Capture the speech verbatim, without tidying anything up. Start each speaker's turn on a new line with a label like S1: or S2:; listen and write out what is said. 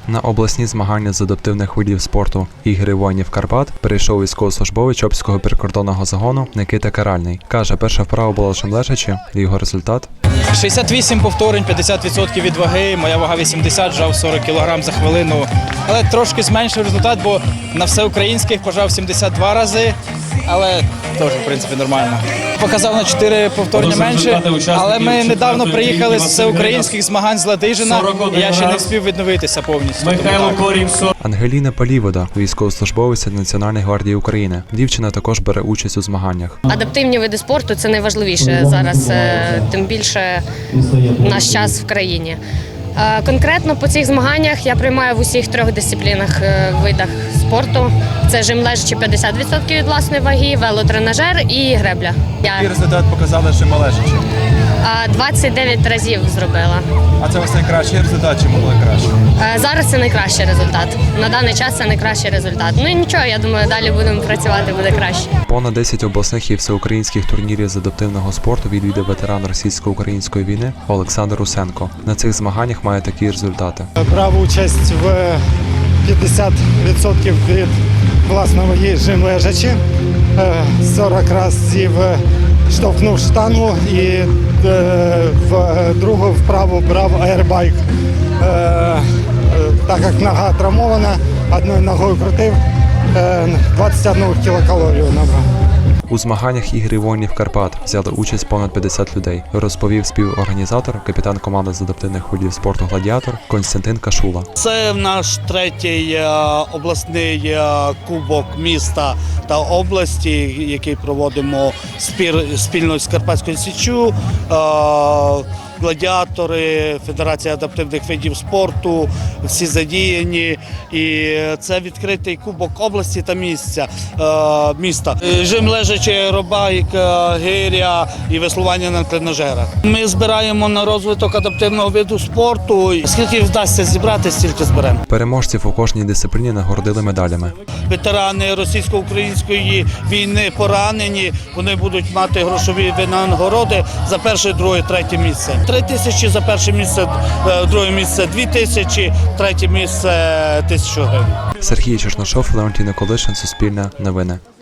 S1: На обласні змагання з адаптивних видів спорту «Ігри воїнів Карпат» перейшов військовослужбовець Чопського прикордонного загону Никита Каральний. Каже, перша вправа була лише лежачи, і його результат –
S2: шістдесят вісім повторень, п'ятдесят відсотків від ваги, моя вага вісімдесят, жав сорок кілограм за хвилину. Але трошки зменшив результат, бо на всеукраїнських пожав сімдесят два рази, але теж, в принципі, нормально. Показав на чотири повторення менше, але ми недавно приїхали з всеукраїнських змагань з Ладижина, і я ще не встиг відновитися повністю.
S1: Ангеліна Палівода – військовослужбовиця Національної гвардії України. Дівчина також бере участь у змаганнях.
S3: Адаптивні види спорту – це найважливіше зараз, тим більше в наш час в країні. Конкретно по цих змаганнях я приймаю в усіх трьох дисциплінах, видах спорту. Це жим лежачи п'ятдесят відсотків від власної ваги, велотренажер і гребля.
S4: Який результат показали жим лежачи?
S3: двадцять дев'ять разів зробила.
S4: А це у вас найкращий результат чи могли краще?
S3: Зараз це найкращий результат. На даний час це найкращий результат. Ну і нічого, я думаю, далі будемо працювати, буде краще.
S1: Понад десять обласних і всеукраїнських турнірів з адаптивного спорту відвідав ветеран російсько-української війни Олександр Русенко. На цих змаганнях має такі результати.
S5: Брав участь в п'ятдесят відсотків від власної ваги жим лежачи, сорок разів штовхнув штангу і в другу вправу брав аербайк. Так як нога травмована, одною ногою крутив, двадцять одну кілокалорію набрав.
S1: У змаганнях «Ігри воїнів Карпат» взяли участь понад п'ятдесят людей, розповів співорганізатор, капітан команди з адаптивних видів спорту «Гладіатор» Костянтин Кашула.
S6: Це наш третій обласний кубок міста та області, який проводимо спільно з Карпатською Січчю. Гладіатори, Федерація адаптивних видів спорту, всі задіяні. І це відкритий кубок області та місця, міста. Жим лежачи, аеробайк, гиря і веслування на тренажерах. Ми збираємо на розвиток адаптивного виду спорту. Скільки вдасться зібрати, стільки зберемо.
S1: Переможців у кожній дисципліні нагородили медалями.
S6: Ветерани російсько-української війни поранені, вони будуть мати грошові винагороди за перше, друге, третє місце. Три тисячі за перше місце, друге місце дві тисячі, третє місце тисячу гривень.
S1: Сергій Черношов, Леонтій Николишин, Суспільне новини.